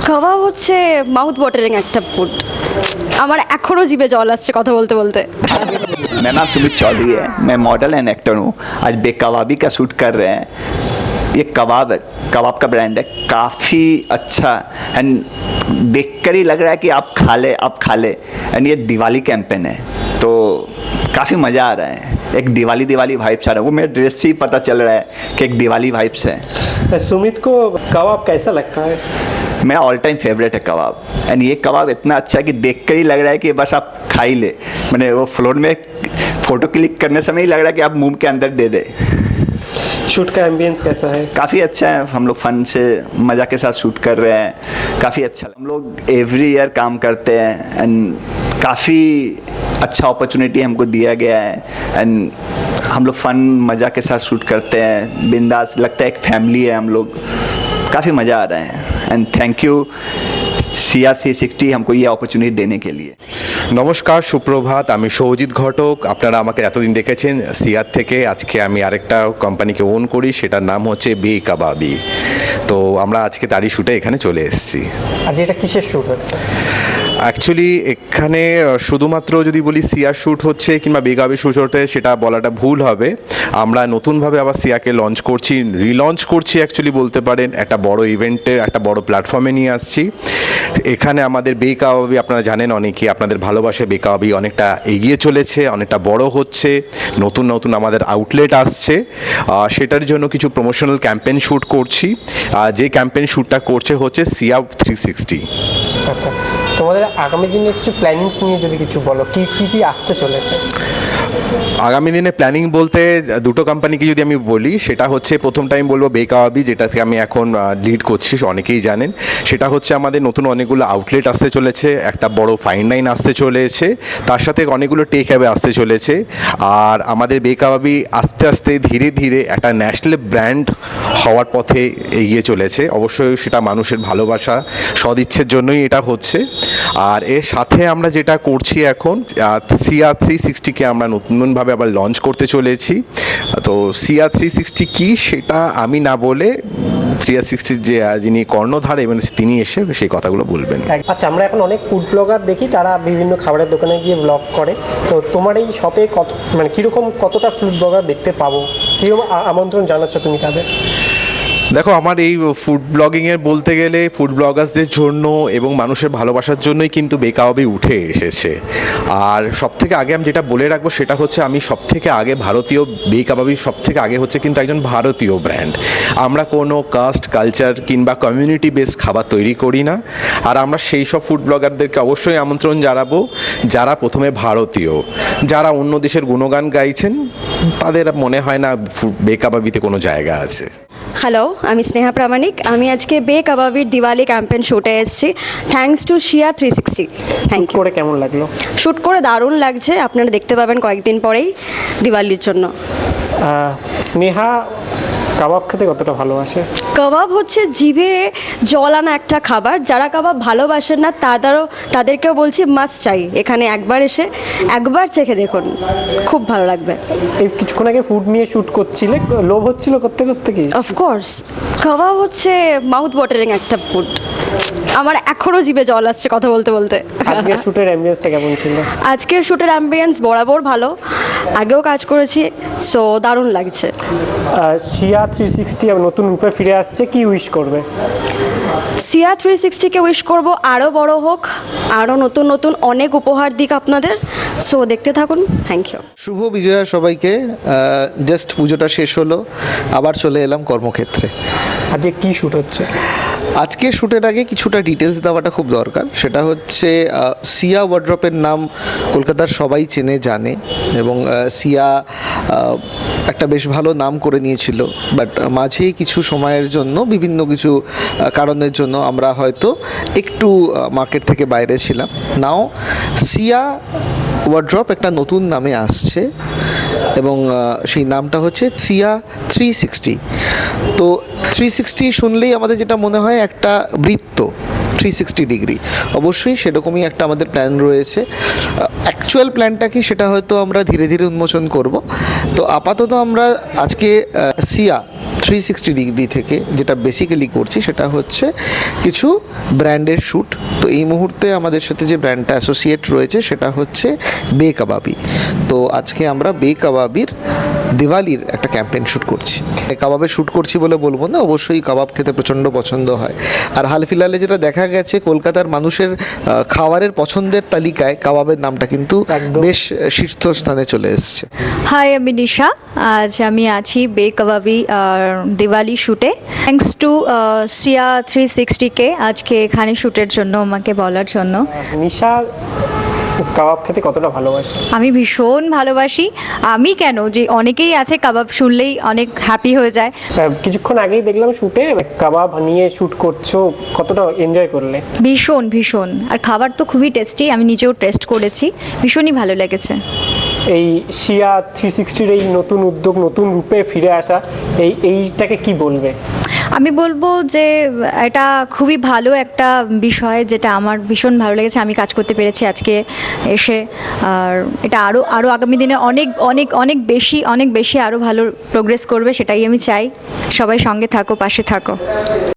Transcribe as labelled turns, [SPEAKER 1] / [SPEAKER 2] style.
[SPEAKER 1] কাবাব হচ্ছে mouth watering একটা food. আমার এখনও জিভে জল আসছে কথা বলতে বলতে।
[SPEAKER 2] मेरा नाम सुमित चौधरी है, मैं मॉडल एंड एक्टर हूँ। आज बेकबाबी का शूट कर रहे हैं। ये कबाब है, कबाब का ब्रांड है, काफ़ी अच्छा एंड देखकर ही लग रहा है कि आप खा ले एंड ये दिवाली कैंपेन है तो काफ़ी मज़ा आ रहा है। एक दिवाली वाइब्स आ रहा है, वो मेरे ड्रेस से ही पता चल रहा है कि एक दिवाली वाइब्स है।
[SPEAKER 3] सुमित को कबाब कैसा लगता है?
[SPEAKER 2] मेरा ऑल टाइम फेवरेट है कबाब एंड ये कबाब इतना अच्छा है कि देखकर ही लग रहा है कि बस आप खा ही ले। मैंने वो फ्लोर में फ़ोटो क्लिक करने समय ही लग रहा है कि आप मुंह के अंदर दे दे।
[SPEAKER 3] शूट का एम्बियंस कैसा है?
[SPEAKER 2] काफ़ी अच्छा है, हम लोग फन से मज़ा के साथ शूट कर रहे हैं, काफ़ी अच्छा। हम लोग एवरी ईयर काम करते हैं एंड काफ़ी अच्छा अपॉर्चुनिटी हमको दिया गया है एंड हम लोग फन मज़ा के साथ शूट करते हैं, बिंदास लगता है, एक फैमिली है हम लोग, काफ़ी मज़ा आ रहा है एंड थैंक यू CR360 हमको ये अपॉर्चुनिटी देने के लिए।
[SPEAKER 4] নমস্কার, সুপ্রভাত। আমি সৌজিত ঘটক। আপনারা আমাকে এতদিন দেখেছেন সিআর থেকে। আজকে আমি আরেকটা কোম্পানিকে ওন করি, সেটার নাম হচ্ছে বেকাবাবি। তো আমরা আজকে তারই শ্যুটে এখানে চলে এসেছি।
[SPEAKER 3] আজ এটা কিসের শ্যুট হচ্ছে?
[SPEAKER 4] অ্যাকচুয়ালি এখানে শুধুমাত্র যদি বলি সিআর শ্যুট হচ্ছে কিংবা বেকাবাবি শ্যুট হচ্ছে সেটা বলাটা ভুল হবে। আমরা নতুনভাবে আবার সিআরকে লঞ্চ করছি, রিলঞ্চ করছি অ্যাকচুয়ালি বলতে পারেন। একটা বড় ইভেন্টের একটা বড় প্ল্যাটফর্মে নিয়ে আসছি। এখানে আমাদের বেকাবাবি আপনারা জানেন অনেকেই, আপনাদের ভালোবাসায় বেকাবাবি অনেকটা এগিয়ে চলেছে, অনেকটা বড় হচ্ছে, নতুন নতুন আমাদের আউটলেট আসছে। সেটার জন্য কিছু প্রমোশনাল ক্যাম্পেইন শ্যুট করছি। যে ক্যাম্পেইন শ্যুটটা করছে হচ্ছে CR360।
[SPEAKER 3] আচ্ছা, তোমাদের আগামী দিনে কিছু প্ল্যানিংস নিয়ে যদি কিছু বলো, কি আসতে চলেছে?
[SPEAKER 4] আগামী দিনে প্ল্যানিং বলতে দুটো কোম্পানিকে যদি আমি বলি, সেটা হচ্ছে প্রথম টাইম বলবো বেকাবাবি, যেটাকে আমি এখন লিড করছি, অনেকেই জানেন। সেটা হচ্ছে আমাদের নতুন অনেকগুলো আউটলেট আসতে চলেছে, একটা বড় ফাইন লাইন আসতে চলেছে, তার সাথে অনেকগুলো টেক হ্যাবে আসতে চলেছে। আর আমাদের বেকাবাবি আস্তে আস্তে ধীরে ধীরে একটা ন্যাশনাল ব্র্যান্ড হওয়ার পথে এগিয়ে চলেছে। অবশ্যই সেটা মানুষের ভালোবাসা সদিচ্ছের জন্যই এটা হচ্ছে। আর এর সাথে আমরা যেটা করছি এখন, CR360কে আমরা নতুনভাবে আবার লঞ্চ করতে চলেছি। তো CR360 কি সেটা আমি না বলে 360 যে যিনি কর্ণধার এবং তিনি এসে সেই কথাগুলো বলবেন।
[SPEAKER 3] আচ্ছা, আমরা এখন অনেক ফুড ব্লগার দেখি, তারা বিভিন্ন খাবারের দোকানে গিয়ে ব্লগ করে। তো তোমার এই শপে কতটা ফুড ব্লগার দেখতে পাবো, কীরকম আমন্ত্রণ জানাচ্ছ তুমি তাদের?
[SPEAKER 4] দেখো, আমার এই ফুড ব্লগিংয়ের বলতে গেলে ফুড ব্লগার্সদের জন্য এবং মানুষের ভালোবাসার জন্যই কিন্তু বেকাবাবি উঠে এসেছে। আর সবথেকে আগে আমি যেটা বলে রাখবো সেটা হচ্ছে আমি সবথেকে আগে ভারতীয় বেকাবাবি সবথেকে আগে হচ্ছে কিন্তু একজন ভারতীয় ব্র্যান্ড। আমরা কোনো কাস্ট কালচার কিংবা কমিউনিটি বেসড খাবার তৈরি করি না। আর আমরা সেই সব ফুড ব্লগারদেরকে অবশ্যই আমন্ত্রণ জানাবো যারা প্রথমে ভারতীয়, যারা অন্য দেশের গুণগান গাইছেন, তাদের মনে হয় না বেকাবাবিতে কোনো জায়গা আছে।
[SPEAKER 1] হ্যালো, আমি স্নেহা প্রামাণিক। আমি আজকে বেকাবাবির দিওয়ালি ক্যাম্পেইন শ্যুটে এসেছি, thanks to CR360। Thank you.
[SPEAKER 3] করে কেমন লাগলো?
[SPEAKER 1] শ্যুট করে দারুণ লাগছে, আপনারা দেখতে পাবেন কয়েকদিন পরেই দিওয়ালির জন্য।
[SPEAKER 3] স্নেহা কাবাব খেতে কতটা ভালোবাসে?
[SPEAKER 1] কাবাব হচ্ছে জিভে জল আনা একটা খাবার। যারা কাবাব ভালোবাসেন না তাদেরকেও বলছি মাস্ট চাই এখানে একবার এসে একবার চেখে দেখুন, খুব ভালো লাগবে।
[SPEAKER 3] এই কিছুক্ষণ আগে ফুড নিয়ে শ্যুট করছিলে, লোভ হচ্ছিল করতে করতে কি?
[SPEAKER 1] অফকোর্স, কাবাব হচ্ছে মাউথ ওয়াটারিং একটা ফুড। আমার এখনও জিভে জল আসছে কথা বলতে বলতে।
[SPEAKER 3] আজকের শ্যুটের অ্যাম্বিয়েন্সটা কেমন ছিল?
[SPEAKER 1] আজকের শ্যুটের অ্যাম্বিয়েন্স বরাবর ভালো, আগেও কাজ করেছি, সো দারুণ লাগছে।
[SPEAKER 3] CR360 নতুন রূপে ফিরে আসছে, কি উইশ করবে?
[SPEAKER 1] CR360কে উইশ করব আরও বড় হোক, আরও নতুন নতুন অনেক উপহার দিক আপনাদের। সো দেখতে থাকুন। Thank you.
[SPEAKER 5] শুভ বিজয়া সবাইকে। জাস্ট পুজোটা শেষ হলো, আবার চলে এলাম কর্মক্ষেত্রে।
[SPEAKER 3] আজকে কি শ্যুট হচ্ছে?
[SPEAKER 5] আজকে শ্যুটের আগে কিছুটা ডিটেলস দেওয়াটা খুব দরকার। সেটা হচ্ছে সিয়া ওয়ার্ড্রপের নাম কলকাতার সবাই চেনে জানে এবং সিয়া একটা বেশ ভালো নাম করে নিয়েছিল, বাট মাঝেই কিছু সময়ের জন্য বিভিন্ন কিছু কারণের জন্য আমরা হয়তো একটু মার্কেট থেকে বাইরে ছিলাম। নাও সিয়া ওয়ার্ড্রপ একটা নতুন নামে আসছে এবং সেই নামটা হচ্ছে CR360। তো 360 শুনলেই আমাদের যেটা মনে হয় একটা বৃত্ত, 360 ডিগ্রি। অবশ্যই সেরকমই একটা আমাদের প্ল্যান রয়েছে। অ্যাকচুয়াল প্ল্যানটা কি সেটা হয়তো আমরা ধীরে ধীরে উন্মোচন করব। তো আপাতত আমরা আজকে 360 ডিগ্রি থেকে যেটা বেসিক্যালি করছি সেটা হচ্ছে কিছু ব্র্যান্ডের শ্যুট। তো এই মুহূর্তে আমাদের সাথে যে ব্র্যান্ডটা অ্যাসোসিয়েট রয়েছে সেটা হচ্ছে বে কাবাবি। তো আজকে আমরা বে কাবাবির দিওয়ালির একটা ক্যাম্পেইন শ্যুট করছি। কাবাবে শ্যুট করছি বলে বলবো না, অবশ্যই কাবাব খেতে প্রচণ্ড পছন্দ হয়। আর হাল ফিলহালে যেটা দেখা গেছে কলকাতার মানুষের খাবারের পছন্দের তালিকায় কাবাবের নামটা কিন্তু
[SPEAKER 3] একদম।
[SPEAKER 5] বেশ শীর্ষস্থানে চলে এসেছে।
[SPEAKER 6] হাই, আমি নিশা। আজ আমি আছি বে কাবাবি দিওয়ালি শ্যুটে। থ্যাঙ্কস টু সিয়া 360কে আজকে এখানে শ্যুটের জন্য আমাকে বলার জন্য।
[SPEAKER 3] নিশা কাবাব খেতে কতটা ভালোবাসে?
[SPEAKER 6] আমি ভীষণ ভালোবাসি। আমি কেন, যে অনেকেই আছে কাবাব শুনলেই অনেক হ্যাপি হয়ে যায়।
[SPEAKER 3] কিছুক্ষণ আগেই দেখলাম শুটে কাবাব নিয়ে শুট করছো, কতটা এনজয় করলে?
[SPEAKER 6] ভীষণ ভীষণ। আর খাবার তো খুবই টেস্টি, আমি নিজেও টেস্ট করেছি, ভীষণই ভালো লেগেছে।
[SPEAKER 3] এই সিয়া 360-র এই নতুন উদ্যোগ, নতুন রূপে ফিরে আসা, এইটাকে কি বলবে?
[SPEAKER 6] আমি বলবো যে এটা খুবই ভালো একটা বিষয়, যেটা আমার ভীষণ ভালো লেগেছে। আমি কাজ করতে পেরেছি আজকে এসে। আর এটা আরও আগামী দিনে অনেক অনেক অনেক বেশি আরও ভালো প্রোগ্রেস করবে, সেটাই আমি চাই। সবাই সঙ্গে থাকো, পাশে থাকো।